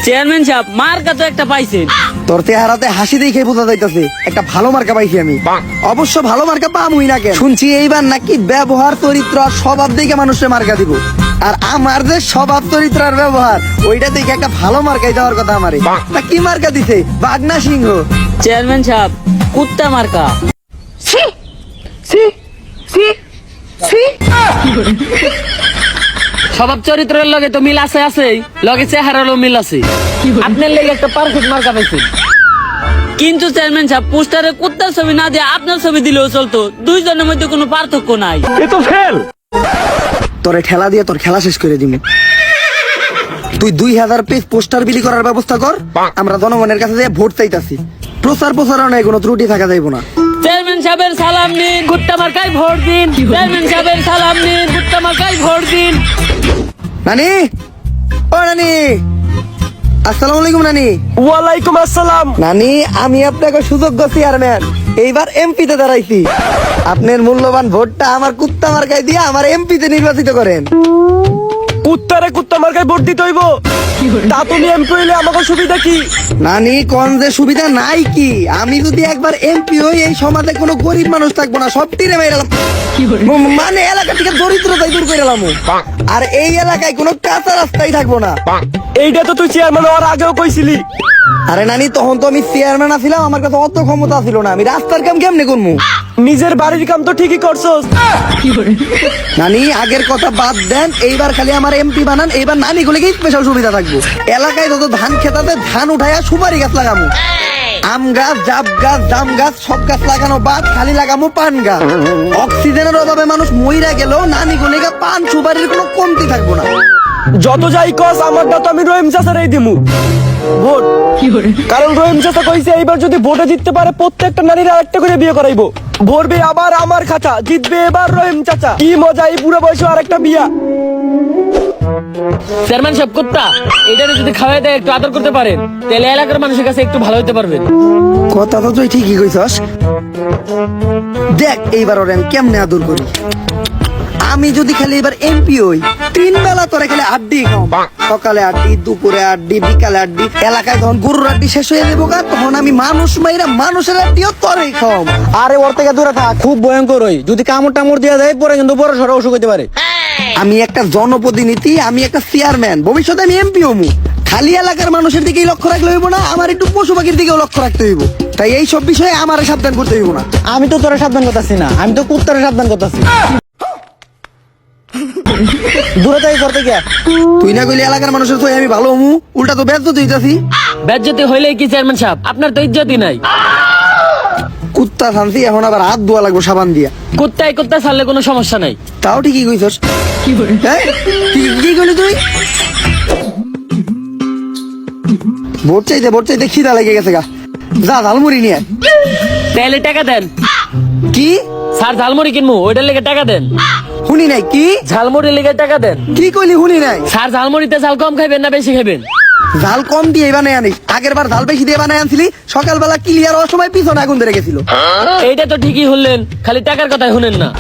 Chairman সাহেব মার্কা তো একটা পাইছেন। তোর চেহারাতে হাসি দেখে বোঝা যাইতাছে একটা ভালো মার্কা পাইছি আমি। অবশ্য ভালো মার্কা পামুই না কেন, শুনছি এইবার নাকি ব্যবহার চরিত্র আর স্বভাব দেখে মানুষের মার্কা দিব। আর আমার যে স্বভাব চরিত্র আর ব্যবহার ওইটা দেখে একটা ভালো মার্কাই দেওয়ার কথা আমারে। তা কি মার্কা দিছে? বাগনা সিংহ। চেয়ারম্যান সাহেব কুত্তা মার্কা। স্বভাব চরিত্রের লগে তো মিল আছে লগে চেহারারও মিল আছে। আপনার লেগে একটা পারফেক্ট মার্কা পাইছেন। কিন্তু চেয়ারম্যান সাহেব পোস্টারে কুত্তার ছবি না দিয়ে আপনার ছবি দিলেও চলতো, দুইজনের মধ্যে কোনো পার্থক্য নাই। তোরে ঠেলা দিয়ে তোর খেলা শেষ করে দিবি। তুই 2000 পেজ পোস্টার বিলি করার ব্যবস্থা কর, আমরা জনগণের কাছে যে ভোট চাইতাছি। প্রচারণায় কোনো ত্রুটি থাকা যাইব না। চেয়ারম্যান সাহেবের সালাম নিন, কুত্তা মার্কায় ভোট দিন। চেয়ারম্যান সাহেবের সালাম নিন, কুত্তা মার্কায় ভোট দিন। নানি, ও নানি, আসসালামু আলাইকুম নানি। ওয়ালাইকুম আসসালাম। নানি, আমি আপনাকে সুযোগ্য চেয়ারম্যান, এইবার এমপিতে দাঁড়াইছি। আপনার মূল্যবান ভোটটা আমার কুত্তা মার্কায় দিয়ে আমার এমপিতে নির্বাচিত করেন। কুত্তারে কুত্তা মার্কায় ভোট দিতে হইব? তা তুমি এমপি হইলে আমাকে সুবিধা কি? নানি, কোন যে সুবিধা নাই কি? আমি যদি একবার এমপি হই এই সমাজে কোনো গরিব মানুষ থাকবো না, সব তীরে মেরালাম। মানে এলাকা থেকে দরিদ্রতাই দূর করে এলাম। আর এই এলাকায় কোনো কাঁচা রাস্তাই থাকবো না। এইটা তো তুই চেয়ারম্যান হওয়ার আগেও কইছিলি। আরে নানি, তখন তো আমি চেয়ারম্যান ছিলাম, আমার কাছে অত ক্ষমতা ছিল না। আমি রাস্তার কাম কেমনে করবো? নিজের বাড়ির কাম তো ঠিকই করছস। নানি, আগের কথা বাদ দেন, এইবার খালি আমার এমপি বানান। এইবার নানি গুলিকে স্পেশাল সুবিধা থাকবো। এলাকায় যত ধান খেতাতে ধান উঠাইয়া সুপারি গাছ লাগামু, আম গাছ, জাম গাছ, জাম গাছ, সব গাছ লাগানো বাদ, খালি লাগামু পান গাছ। অক্সিজেনের অভাবে মানুষ মইরা গেলেও নানি গুলিকে পান সুপারির কোনো কমতি থাকবো না। যত যাই কস, আমারটা তো আমি রহিম চাচারই দিমু ভোট। কারণ রহিম চাচা কইছে এইবার যদি ভোটে জিততে পারে প্রত্যেকটা নারীর আরেকটা করে বিয়ে করাইবো। ভরবে আবার আমার খাতা, জিতবে এবার রহিম চাচা। কি মজা এই বুড়ো বয়সে আরেকটা বিয়া। চেয়ারম্যান সাহেব কুত্তা এটারে যদি খাওয়াই দেয়, একটু আদর করতে পারেন, তাহলে এলাকার মানুষের কাছে একটু ভালো হতে পারবেন। কথা তো তুই ঠিকই কইছস। দেখ এইবার ওরে আমি কেমনে আদর করি। আমি যদি খালি এবার এমপি হই, 3 বেলা তোরে খালি আড্ডি খাও। সকালে আড্ডি, দুপুরে আড্ডি, বিকালে আড্ডি। এলাকায় যখন গরুর আড্ডি শেষ হয়ে যাবো গা, তখন আমি মানুষ মাইরা মানুষের আড্ডিও তোরেই খাও। আরে ওর থেকে দূরে থাক, খুব ভয়ঙ্কর হই। যদি কামড় টামড় দিয়ে দেয় পরে কিন্তু বড় সড় অসুখ হতে পারে। আমি একটা জনপ্রতিনিধি, আমি একটা চেয়ারম্যান, ভবিষ্যতে আমি এমপি হমু। খালি এলাকার মানুষের দিকেই লক্ষ্য রাখলে হইব না, আমার একটু পশু পাখির দিকেও লক্ষ্য রাখতে হইব। তাই এই সব বিষয়ে আমার সাবধান করতে হইব না। আমি তো তোরা সাবধান করতেছি না, আমি তো কুত্তারে সাবধান করতেছি। দূরে থাকি করতে গিয়া তুই না কইলে এলাকার মানুষের তো আমি ভালো হমু, উল্টা তো ব্যর্থ হইতাছি। বেজ্জতি হইলে কি চেয়ারম্যান সাহেব, আপনার তো ইজ্জতই নাই। কুত্তা শান্তি, এখন আবার হাত ধোয়া লাগবো সাবান দিয়া। কুত্তায় কুত্তা ছাড়লে কোনো সমস্যা নাই। তাও ঠিকই কইছস। হ্যাঁ? কি কইলি তুই? ভোট চাইতে খিদা লেগে গেছে গা। যা ঝালমুড়ি নিয়ে আয়। তাহলে টাকা দেন। কি? স্যার ঝালমুড়ি কিনবো, ওইটার লেগে টাকা দেন। শুনি নাই কি? ঝালমুড়ির লেগে টাকা দেন। কি কইলি শুনি নাই? স্যার ঝালমুড়িতে ঝাল কম খাইবেন না বেশি খাইবেন? ঝাল কম দিয়ে বানাই আনিস। আগের বার ঝাল বেশি দিয়ে বানাই আনছিলি, সকালবেলা ক্লিয়ার হওয়ার সময় পিছনে আগুন ধরে গেছিল। এইটা তো ঠিকই হলেন, খালি টাকার কথাই শুনেন না।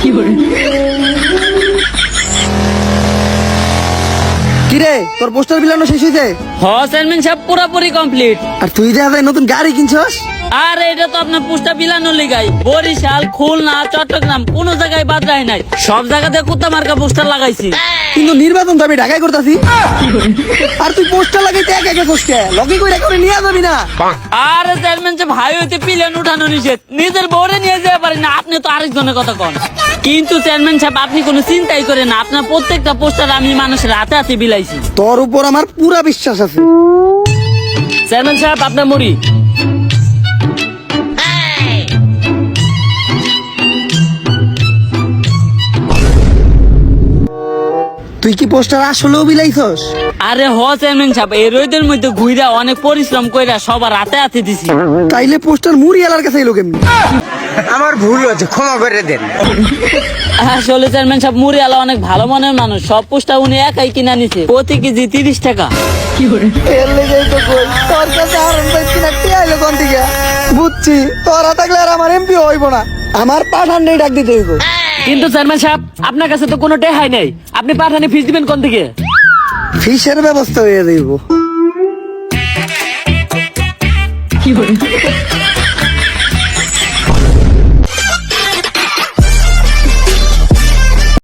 কিরে, তোর পোস্টার বিলানো শেষ হয়েছে? চেয়ারম্যান সাহেব পুরোপুরি কমপ্লিট। আর তুই যে নতুন গাড়ি কিনছস? আর এটা তো আপনার পোস্টার বিলানোর লিগাই। বরিশাল, খুলনা, চট্টগ্রাম কোন জায়গায় বাদ রায় নাই, সব জায়গাতে কুত্তা মার্কা পোস্টার লাগাইছি। কিন্তু নির্বাচন তো আমি ঢাকায় করতেছি। আর তুই পোস্টার লাগাইতে একা কোসকে লগি কইরা করে নিয়ে যাবি না? আর চেয়ারম্যান সাহেব ভাই হইতে পিলেন উঠানো নিষেধ, নিজের বউরে নিয়ে যেতে পারেন না, আপনি তো আরেকজনের কথা কন। কিন্তু চেয়ারম্যান সাহেব আপনি কোনো চিন্তাই করেন না, আপনার প্রত্যেকটা পোস্টার আমি মানুষের হাতে হাতে বিলাইছি। তোর উপর আমার পুরা বিশ্বাস আছে। চেয়ারম্যান সাহেব আপনার মুড়ি। তুই কি পোস্টার আসলেও বিলাইছস? আরে চেয়ারম্যান সাহেব এই রোদের মধ্যে ঘুইরা অনেক পরিশ্রম কইরা সবার হাতে হাতে দিছি। তাইলে পোস্টার মুড়ি এলার কাছে এলো কেমনি? আমার ভুল হয়েছে, ক্ষমা করে দেন। আসলে চেয়ারম্যান সাহেব মুড়িওয়ালা অনেক ভালো মনের মানুষ, সব পোস্টার উনি একাই কিনা নিছে, প্রতি কেজি 30 টাকা। তোর কাছে বুঝছি, তোরা থাকলে আর আমার এমপি হইব না, আমার পাঠান নেই ডাক দিতে হইব। কিন্তু চেয়ারম্যান সাহেব আপনার কাছে তো কোনো টেহাই নেই, আপনি পাঠানে ফিস দিবেন কোন থেকে? ফিসের ব্যবস্থা হয়ে যাইব।